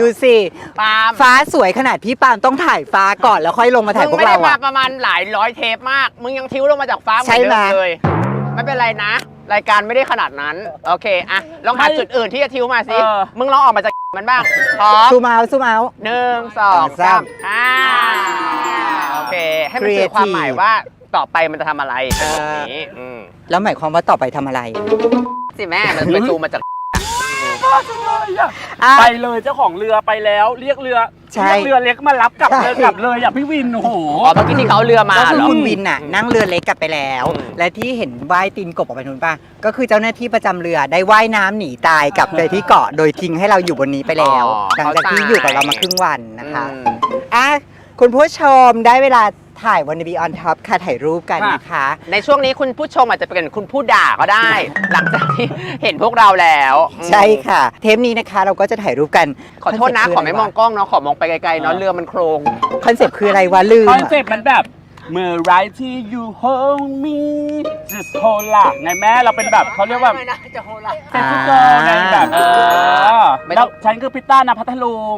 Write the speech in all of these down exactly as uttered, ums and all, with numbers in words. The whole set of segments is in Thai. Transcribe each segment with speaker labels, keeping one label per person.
Speaker 1: ดูสิ
Speaker 2: ปาล์ม
Speaker 1: ฟ้าสวยขนาดพี่ปาล์มต้องถ่ายฟ้าก่อนแล้วค่อยลงมาถ่ายพวกเรา
Speaker 2: มึงไม่ได้
Speaker 1: อะ
Speaker 2: มาประมาณหลายร้อยเทปมากมึงยังทิ้วลงมาจากฟ้าเหมือน
Speaker 1: ใช่ไหม
Speaker 2: เดิมเลยไม่เป็นไรนะ รายการไม่ได้ขนาดนั้นโอเคอะลองหาจุดอื่นที่จะทิ้วมาสิมึงลองออกมาจากมันบ้างพร้อม
Speaker 1: ซูมเอาซูมเอา
Speaker 2: หนึ่งสองสามอ่าโอเคให้มันสื่อความหมายว่าต่อไปมันจะทำอะไรแบบนี้
Speaker 1: แล้วหมายความว่าต่อไปทำอะไร
Speaker 2: สิแม่มันไปซูมมาจาก
Speaker 3: ไปเลยเจ้าของเรือไปแล้วเรียกเรือเรียกเรือเล็กมารับกลับเลยกลับเลยอ่ะพี่วินโอ้โห
Speaker 2: อ๋อเมื่อกี้ที่เขาเรือมา
Speaker 1: ก็คือ
Speaker 2: เหรอ
Speaker 1: คุณวินน่ะนั่งเรือเล็กกลับไปแล้ว และที่เห็นว่ายตีนกบออกไปนู้นป่ะก็คือเจ้าหน้าที่ประจำเรือได้ว่ายน้ำหนีตายกลับไปที่เกาะโดยทิ้งให้เราอยู่บนนี้ไปแล้วหลังจากที่อยู่กับเรามาครึ่งวันนะคะอ่ะคุณผู้ชมได้เวลาถ่ายวันนบีออนท็อปค่ะถ่ายรูปกันนะคะ
Speaker 2: ในช่วงนี้คุณผู้ชมอาจจะเป็นคุณผู้ด่าก็ได้ หลังจากที่เห็นพวกเราแล้ว
Speaker 1: ใช่ค่ะเทปนี้นะคะเราก็จะถ่ายรูปกัน
Speaker 2: ขอโทษนะขอไม่มองกล้องเนาะขอมองไปไกลๆเนาะเรือมันโครง
Speaker 1: คอนเซ็ปต์คืออะไรวะลืม
Speaker 3: คอนเซ็ปต์มันแบบเมื่อไรที่ you hold me just hold ล่ะไงแม่เราเป็นแบบเขาเรียกว่า
Speaker 2: จะโฮล่ะ
Speaker 3: เซ็กซี่เกิร์ลไงแบบเออแล้วฉันคือพิต้านะพัทลุง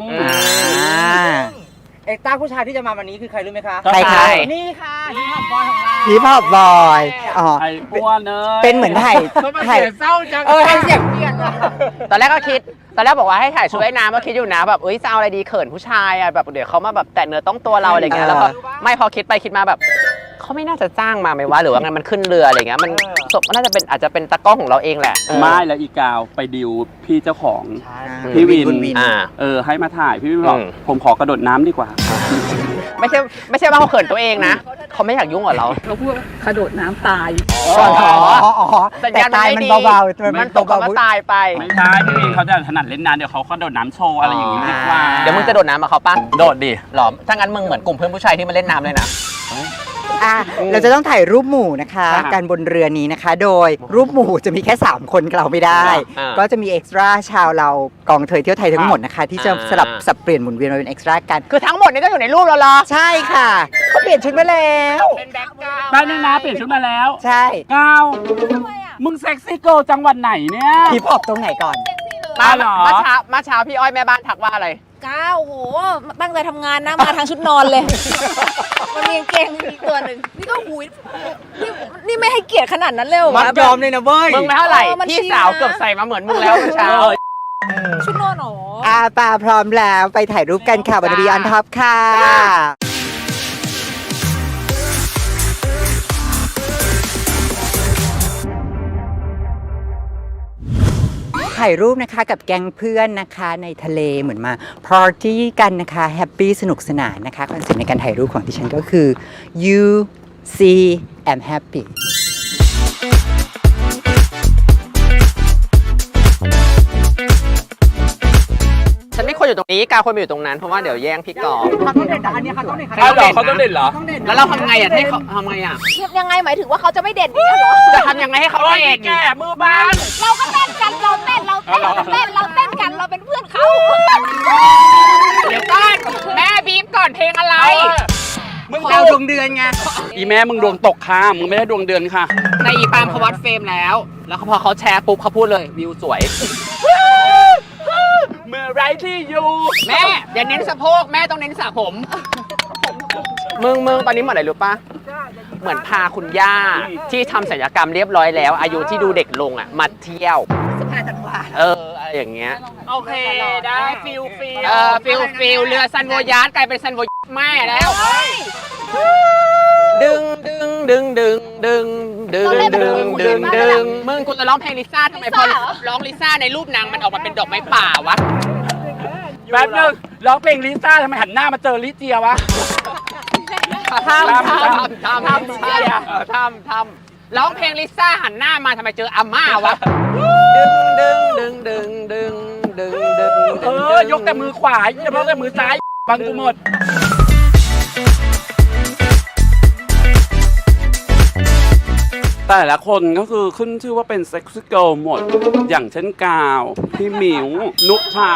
Speaker 4: เอ็กต้าผู้ชายที่จะมาวันนี้คือใครรู้ไหมคะ
Speaker 1: ใครคะ
Speaker 4: นี่ค่ะฮิปฮอปบอยของเรา
Speaker 1: ฮิปฮอปบอยอ๋อ
Speaker 3: ไอ้อ้วนเนย
Speaker 1: เป็นเหมือนถ่าย
Speaker 4: ถ่ายเศร้าจังเออให้เสียงเปลี่ยน
Speaker 2: ตอนแรกก็คิดตอนแรกบอกว่าให้ถ่ายชุดว่ายน้ำก็คิดอยู่นะแบบเอ้ยจะเอาอะไรดีเขินผู้ชายอ่ะแบบเดี๋ยวเขามาแบบแตะเนื้อต้องตัวเราอะไรเงี้ยแล้วก็ไม่พอคิดไปคิดมาแบบเขาไม่น่าจะจ้างมาไหมวะหรือว่าไงมันขึ้นเรืออะไรเงี้ยมันศพน่าจะเป็นอาจจะเป็นตะก้องของเราเองแหละ
Speaker 3: ไม่แล้วอีกาวไปดิวพี่เจ้าของพี่วินเออให้มาถ่ายพี่วินบอกผมขอกระโดดน้ำดีกว่า
Speaker 2: ไม่ใช่ไม่ใช่ว่าเขาเขินตัวเองนะเขาไม่อยากยุ่งกับเรา
Speaker 4: เขาพูดกระโดดน้ำตาย
Speaker 1: อ๋อแต่ตายมันเบา
Speaker 2: ๆมันตกมาตายไป
Speaker 3: ไม่ใช่พี่วินเขาจะถนัดเล่นน้ำเดี๋ยวเขากระโดดน้ำโชว์อะไรอย่างนี้ดีกว่า
Speaker 2: เดี๋ยวมึงจะโดดน้ำมาเขาปะ
Speaker 3: โดดดิ
Speaker 2: หรอถ้างั้นมึงเหมือนกลุ่มเพื่อนผู้ชายที่มาเล่นน้ำเลยนะ
Speaker 1: อ่ะเราจะต้องถ่ายรูปหมู่นะคะการบนเรือนี้นะคะโดยรูปหมู่จะมีแค่สามคนเราไม่ได้ก็จะมีเอ็กซ์ตร้าชาวเรากองเทยเที่ยวไทยทั้งหมดนะคะที่จะสลับสับเปลี่ยนหมุนเวียนมาเป็นเอ็กซ์ตร้ากัน
Speaker 2: คือทั้งหมดนี้ก็อยู่ในรูปเราเหรอ
Speaker 1: ใช่ค่ะเขาเปลี่ยนชุดมาแล้ว
Speaker 2: เป็นแบ็คกราวด์
Speaker 3: ได้นึงนะเปลี่ยนชุดมาแล้ว
Speaker 1: ใช่
Speaker 3: ก้าวมึงเซ็กซี่เกิร์ลจังหวัดไหนเนี่ย
Speaker 1: ฮิปฮอปตรงไหนก่อน
Speaker 2: มาเหรอมาเช้ามาเช้าพี่อ้อยแม่บ้านทักว่าอะไร
Speaker 5: ก้าวโหตั้งใจทำงานนะมาทางชุดนอนเลยมันมีเกงอีกตัวหนึ่งนี่ก็หุยนี่นี่ไม่ให้เกียรติขนาดนั้นเลยเหรอ
Speaker 1: มัดยอมเลยนะเว้ย
Speaker 2: มึงไม่เท่าไหร่พี่สาวเกือบใส่มาเหมือนมึงแล้วเช้า
Speaker 5: ชุดนอนหรอ
Speaker 1: อาปาพร้อมแล้วไปถ่ายรูปกันค่ะวันนบีออนท็อปค่ะถ่ายรูปนะคะกับแก๊งเพื่อนนะคะในทะเลเหมือนมาปาร์ตี้กันนะคะแฮปปี้สนุกสนานนะคะคอนเซ็ปต์ในการถ่ายรูปของดิฉันก็คือ you see I'm happy
Speaker 2: ฉันไม่ควรอยู่ตรงนี้กาควรไปอยู่ตรงนั้นเพราะว่าเดี๋ยวแย่งพี่กอล์ฟ
Speaker 4: เขาต้องเด่นอันนี้เขาต้องเด่น
Speaker 3: เขาเหรอเขาต้องเด่นเหรอ
Speaker 2: แล้วเราทำไงอ่ะให้เขาทำไงอ่ะ
Speaker 5: ยังไงหมายถึงว่าเขาจะไม่เด่นอีกเหรอ
Speaker 2: จะทำยังไงให้เขาเด่น
Speaker 3: แก่มือบ้าน
Speaker 5: เราก็เต้นกันเราเต้นเราเต้นเราเต้นเราเต้นกันเราเป็นเพื่อนเขา
Speaker 2: เดี๋ยวก่อนแม่บีบก่อนเพลงอะไร
Speaker 1: มึงดาวดวงเดือนไง
Speaker 3: อีแม่มึงดวงตกค่ะมึงไม่ได้ดวงเดือนค่ะ
Speaker 2: ในอีปามเขาวัดเฟรมแล้วแล้วพอเขาแชร์ปุ๊บเขาพูดเลยวิวสวย
Speaker 3: เมื่อไรที่อยู่
Speaker 2: แม่อย่าเน้นสะโพกแม่ต้องเน้นสระผมมึงมึงตอนนี้เหมือนอะไรรู้ปะเหมือนพาคุณย่าที่ทำศัลยกรรมเรียบร้อยแล้วอายุที่ดูเด็กลงอ่ะมาเที่ยว
Speaker 5: สิบห้าธันวา
Speaker 2: เอออะไรอย่างเงี้ย
Speaker 3: โอเคได้ฟิลฟิล
Speaker 2: เออฟิลฟิลเรือซันโวยาร์ดกลายเป็นซันโวแม่แล้วดึงดึงดึงดึงดึงดึงดึงดึงดึงมึงกูจะร้องเพลงลิซ่าทำไมพอร้องลิซ่าในรูปนางมันออกมาเป็นดอกไม้ป่าวะ
Speaker 3: แป๊บนึงร้องเพลงลิซ่าทำไมหันหน้ามาเจอลิเจียวะ
Speaker 2: ทำทำทำทำทำทำทำร้องเพลงลิซ่าหันหน้ามาทำไมเจออาม่าวะดึงดึงดึงดึงดึงดึงดึง
Speaker 3: เออยกแต่มือขวาอย่าเพราะแต่มือซ้ายบังกูหมดแต่ละคนก็คือขึ้นชื่อว่าเป็นเซ็กซี่เกิร์ลหมดอย่างเช่นกาวพี่หมิวนุชา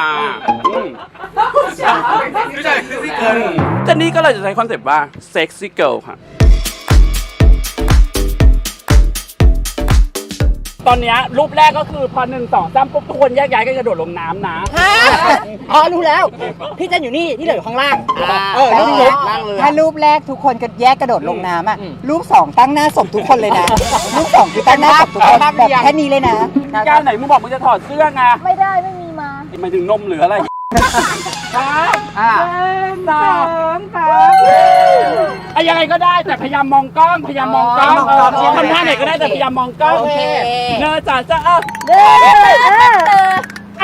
Speaker 3: แต่นี่ก็เลยจะใช้คอนเซปต์ว่าเซ็กซี่เกิร์ลค่ะตอนเนี้ยรูปแรกก็คือพอหนึ่งสองสามปุ๊บทุกคนแยกย้ายกันกระโดดลงน้ำนะ
Speaker 4: อ๋อรู้แล้ว พี่จะอยู่นี่ที่เหลืออยู่ข้างล่าง
Speaker 1: เออรูปรูปถ้ารูปแรกทุกคนก็แยกกระโดดลงน้ำอ่ะรูปสองตั้งหน้าศพทุกคนเลยนะรูปสองคือตั้งหน้าศพทุกคนแบบแค่นี้เลยนะ
Speaker 3: ก้าวไหนมึงบอกมึงจะถอดเสื้อไง
Speaker 5: ไม่ได้ไม่มีมา
Speaker 3: หมายถึงนมหรืออะไรครับ
Speaker 4: อ่า
Speaker 3: สองสามไอ้ยังไงก็ได้แต่พยายามมองกล้องพยายามมองกล้อง
Speaker 1: มองกล้อง
Speaker 3: เออทำท่าไหนก็ได้แต่พยายามมองกล้อง
Speaker 5: โอเค
Speaker 3: เนอจ่าจ้าเออ
Speaker 5: เด้อ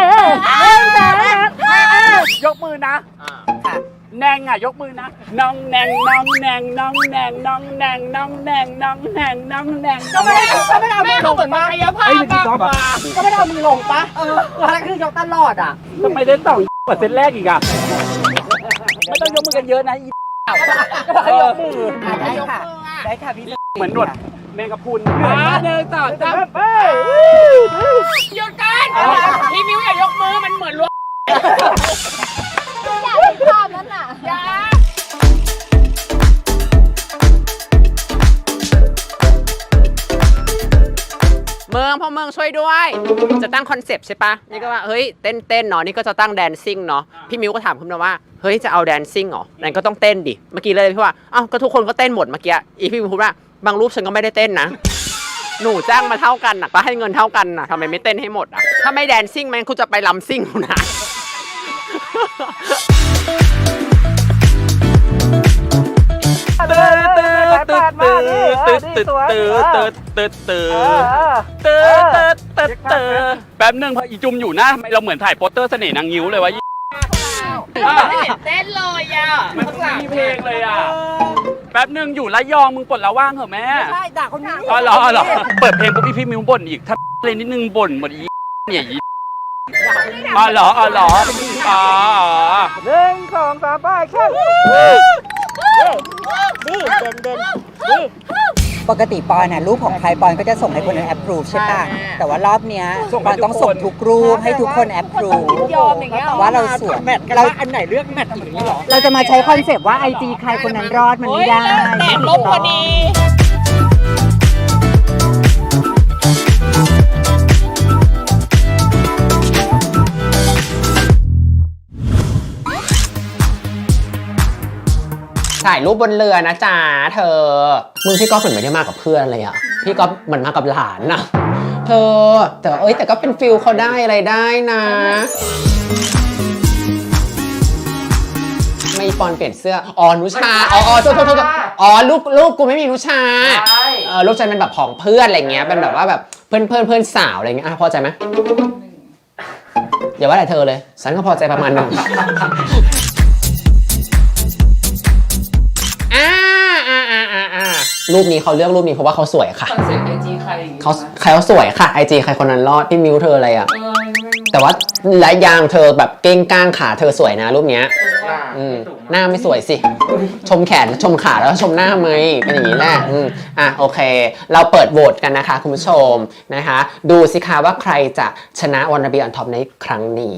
Speaker 3: ยกมือนะแนงอ่ะยกมือนะน้องแนงน้องแนงน้องแนงน้องแนงน้องแนงน้องแนงน้องแนง
Speaker 4: ก็ไม่ได้ก็ไม่ได้เอามือลงเหมือนมาพาปะก็ไม่ได้เอามือลงปะเออแล้วคือยกตลอดอ่ะ
Speaker 3: ทำไมเล่นต่อกว่าเซตแรกอีกอ่ะไม่ต้องยกมือกันเยอะนะอีก็ให้ยกมือ
Speaker 1: ได้ค่ะได้ค่ะพี่
Speaker 3: เหมือนหนวดแมงกะพรุนเดินต่อจ้า
Speaker 4: หยุดกันพี่มิวอย่ายกมือมันเหมือนล้วง
Speaker 5: อยากเห็นภาพนั้นน่ะ
Speaker 2: เมืองพ่อเมืองช่วยด้วย จะตั้งคอนเซปต์ใช่ปะนี่ก็ว่าเฮ้ยเต้นเต้นเนาะนี่ก็จะตั้งแดนซิ่งเนาะพี่มิวก็ถามคุณมาว่าเฮ้ยจะเอาแดนซิ่งเหรอนั่นก็ต้องเต้นดิเมื่อกี้เลยพี่ว่าอ้าวก็ทุกคนก็เต้นหมดเมื่อกี้อีพี่มิวพูดว่าบางรูปฉันก็ไม่ได้เต้นนะหนูจ้างมาเท่ากันน่ะก็ให้เงินเท่ากันน่ะทำไมไม่เต้นให้หมดอ่ะถ้าไม่แดนซิ่งมันคุณจะไปลำซิ่งนะ
Speaker 3: ตื่นตื่นตื่นตื่นตื่นตื่นตื่นตื่นตื่นตื่นตื่นตื่นตื่นตื่นแป๊บนึงพออีจุมอยู่นะเราเหมือนถ่ายโปสเตอร์เสน่ห์นางงิ้วเลยวะ
Speaker 4: ไม่เห็นเต้นเลยอ่ะ
Speaker 3: มันไม่มีเพลงเลยอ่ะแป๊บนึงอยู่ระยองมึงปลดละว่างเหรอแม่
Speaker 4: ใช่ด่าคนนี้
Speaker 3: อ๋อเหรออ๋อเหรอเปิดเพลงปุ๊บพี่พี่มิวบ่นอีกถ้าเลยนิดนึงบ่นหมดอีเนี่ยอีอ๋อเหรออ๋อเหรออ๋อหนึ่งสองสามไปแค่
Speaker 5: ดีเด่นเด่นดี
Speaker 1: ปกติปอนน่ะรูปของใครปอนก็จะส่งให้คนนั้นแอปพรูฟใช่ป่ะแต่ว่ารอบเนี้ยปอนต้องส่งทุกรูปให้ทุกคนแอปพรูฟ
Speaker 5: ยอมอย่างเงี้ย
Speaker 1: ว่าเราสวย
Speaker 4: แมทกัน
Speaker 1: เรา
Speaker 4: ว่าอันไหนเลือกแมทอย่างนี้หรอ
Speaker 1: เราจะมาใช้คอนเซปต์ว่าไอจีใครคนนั้นรอดมันไม่ได้
Speaker 5: แดดลบพอดี
Speaker 2: ถ่ายรูปบนเรือนะจ๊ะเธอมึงพี่ก๊อฟเหมือนไม่ได้มากับเพื่อนเลยอะพี่ก๊อฟเหมือนมากับหลานนะเธอแต่เอ้ยแต่ก็เป็นฟิลเขาได้อะไรได้นะไม่ปอนเปลี่ยนเสื้ออ๋อนุชาอ๋ออ๋อโทษโทษโทษอ๋อลูกลูกกูไม่มีนุชาเออลูกฉันเป็นแบบของเพื่อนอะไรเงี้ยเป็นแบบว่าแบบเพื่อนเพื่อนเพื่อนสาวอะไรเงี้ยอ่ะพอใจไหมอย่าว่าแต่เธอเลยฉันก็พอใจประมาณหนึ่งอ่าอ่าอ่าอ่าอ่ารูปนี้เขาเลือกรูปนี้เพราะว่าเขาสวยค่ะ
Speaker 4: คอนเซ็ปต์ไอจีใคร
Speaker 2: เขาใครเขาสวยค่ะไอจีใครคนนั้นรอดพี่มิวเธออะไรอ่ะแต่ว่าและยางเธอแบบเก้งก้างขาเธอสวยนะรูปเนี้ยอืมหน้าไม่สวยสิชมแขนชมขาแล้วชมหน้าไหมเป็นอย่างนี้แหละอืมอ่ะโอเค เราเปิดโหวตกันนะคะคุณผู้ชมนะคะดูสิคะว่าใครจะชนะวันนาบีออนท็อปในครั้งนี้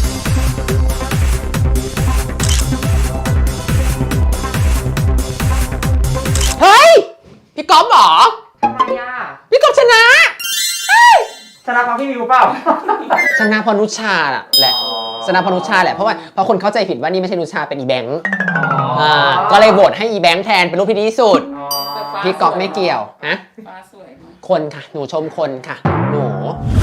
Speaker 2: เฮ้ยพี่ก๊อฟเหรอพี่ก๊อฟชนะชนะเพราะพี่มิวเปล่าชนะเพราะนุชาแหละชนะเพราะนุชาแหละเพราะว่าเพราะคนเข้าใจผิดว่านี่ไม่ใช่นุชาเป็นอีแบงค์อ่าก็เลยโหวตให้อีแบงค์แทนเป็นรูปที่ดีที่สุดพี่ก๊อฟไม่เกี่ยวนะคนค่ะหนูชมคนค่ะหนู